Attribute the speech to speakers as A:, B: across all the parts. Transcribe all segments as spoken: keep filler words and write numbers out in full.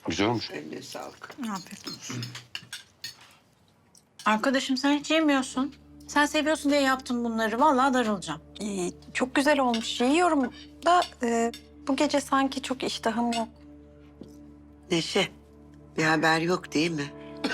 A: Güzel olmuş.
B: Eline sağlık.
C: Afiyet olsun. Arkadaşım sen hiç yemiyorsun. Sen seviyorsun diye yaptım bunları. Vallahi darılacağım.
D: Ee, çok güzel olmuş. Yiyorum da e, bu gece sanki çok iştahım yok.
B: Neşe, bir haber yok değil mi?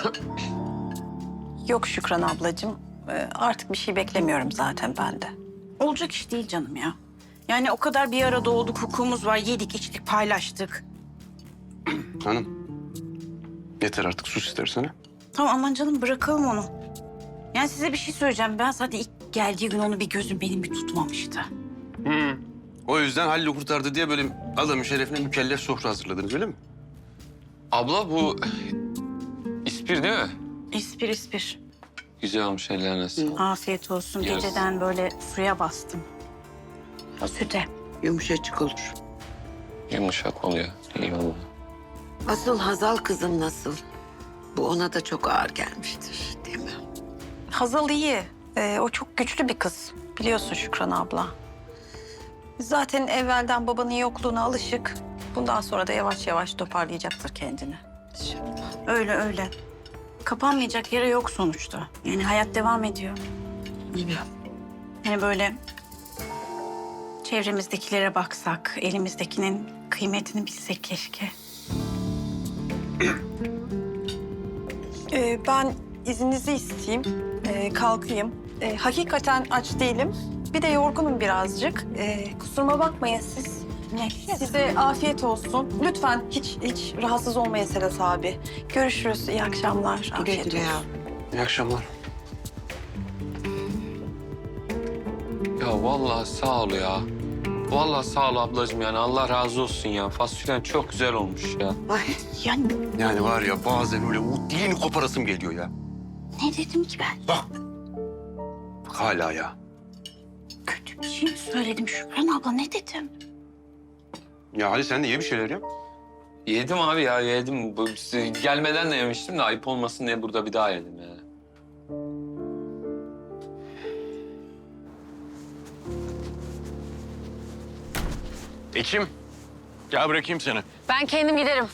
D: Yok Şükran ablacığım. Ee, artık bir şey beklemiyorum zaten ben de.
C: Olacak iş değil canım ya. Yani o kadar bir arada olduk, hukukumuz var. Yedik, içtik, paylaştık.
A: Hanım. Yeter artık sus istersen. ha?
C: Tamam aman canım bırakalım onu. Yani size bir şey söyleyeceğim. Ben zaten ilk geldiği gün onu bir gözüm benim bir tutmamıştı.
A: Hı. O yüzden Halil'i kurtardı diye böyle adamın şerefine mükellef sofra hazırladınız öyle mi?
E: Abla bu ispir değil mi?
C: İspir ispir.
E: Güzel olmuş ellerine sağlık.
C: Afiyet olsun.
E: Yes.
C: Geceden böyle suya bastım. O süte.
B: Yumuşacık olur.
E: Yumuşak oluyor. İyi oldu.
B: Asıl Hazal kızım nasıl? Bu ona da çok ağır gelmiştir değil mi?
D: Hazal iyi. Ee, o çok güçlü bir kız. Biliyorsun Şükran abla. Zaten evvelden babanın yokluğuna alışık. Bundan sonra da yavaş yavaş toparlayacaktır kendini.
C: Öyle öyle. Kapanmayacak yere yok sonuçta. Yani hayat devam ediyor. Yani böyle çevremizdekilere baksak, elimizdekinin kıymetini bilsek keşke.
D: Ee, ben izninizi isteyeyim. Ee, kalkayım. Ee, hakikaten aç değilim. Bir de yorgunum birazcık. Ee, kusuruma bakmayın siz.
C: Ne?
D: Size afiyet olsun. Lütfen hiç hiç rahatsız olmayın Sedat abi. Görüşürüz. İyi akşamlar.
B: Güle
D: Afiyet
B: güle
D: olsun.
B: yavrum.
A: İyi akşamlar.
E: Ya vallahi sağ ol ya. Vallahi sağ ol ablacığım yani Allah razı olsun ya. Fasulyen çok güzel olmuş ya.
B: Ay,
C: Yani
A: Yani var ya bazen öyle o dilini koparasım geliyor ya.
C: ne dedim ki ben?
A: Bak. Bak hala ya.
C: Kötü bir şey mi söyledim Şükran abla? Ne dedim?
A: Ya hadi sen de ye bir şeyler ya.
E: Yedim abi ya yedim. Bu, gelmeden de yemiştim de ayıp olmasın diye burada bir daha yedim yani.
F: Ekim, gel bırakayım seni.
G: Ben kendim giderim.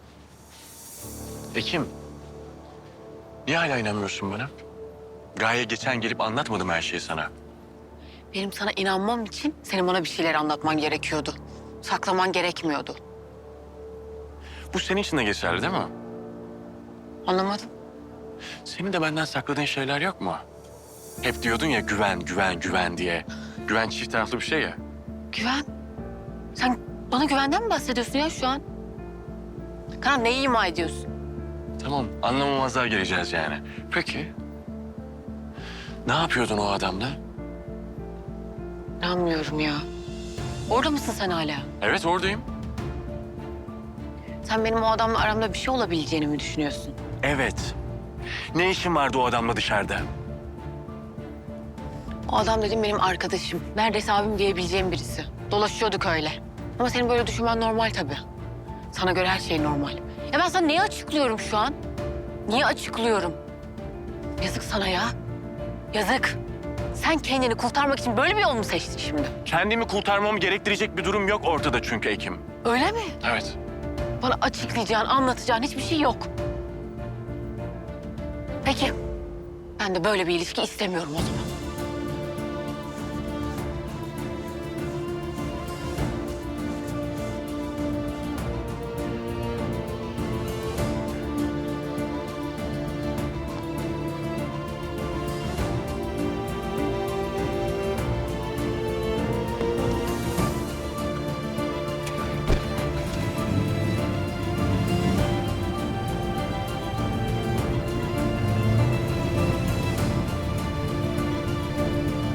F: Ekim, niye hala inanmıyorsun bana? Gaye geçen gelip anlatmadım her şeyi sana.
G: Benim sana inanmam için senin bana bir şeyler anlatman gerekiyordu. Saklaman gerekmiyordu.
F: Bu senin için de geçerli değil mi?
G: Anlamadım.
F: Senin de benden sakladığın şeyler yok mu? Hep diyordun ya güven, güven, güven diye. Güven çift taraflı bir şey ya.
G: Güven. Sen bana güvenden mi bahsediyorsun ya şu an? Karan neyi ima ediyorsun?
F: Tamam, anlamamazlığa geleceğiz yani. Peki, ne yapıyordun o adamla?
G: İnanmıyorum ya. Orada mısın sen hala?
F: Evet, oradayım.
G: Sen benim o adamla aramda bir şey olabileceğini mi düşünüyorsun?
F: Evet. Ne işin vardı o adamla dışarıda?
G: O adam dedim benim arkadaşım. Neredeyse abim diyebileceğim birisi. Dolaşıyorduk öyle. Ama senin böyle düşünmen normal tabii. Sana göre her şey normal. Ya ben sana neyi açıklıyorum şu an? Niye açıklıyorum? Yazık sana ya. Yazık. Sen kendini kurtarmak için böyle bir yol mu seçtin şimdi?
F: Kendimi kurtarmamı gerektirecek bir durum yok ortada çünkü Ekim.
G: Öyle mi?
F: Evet.
G: Bana açıklayacağın, anlatacağın hiçbir şey yok. Peki. Ben de böyle bir ilişki istemiyorum o zaman.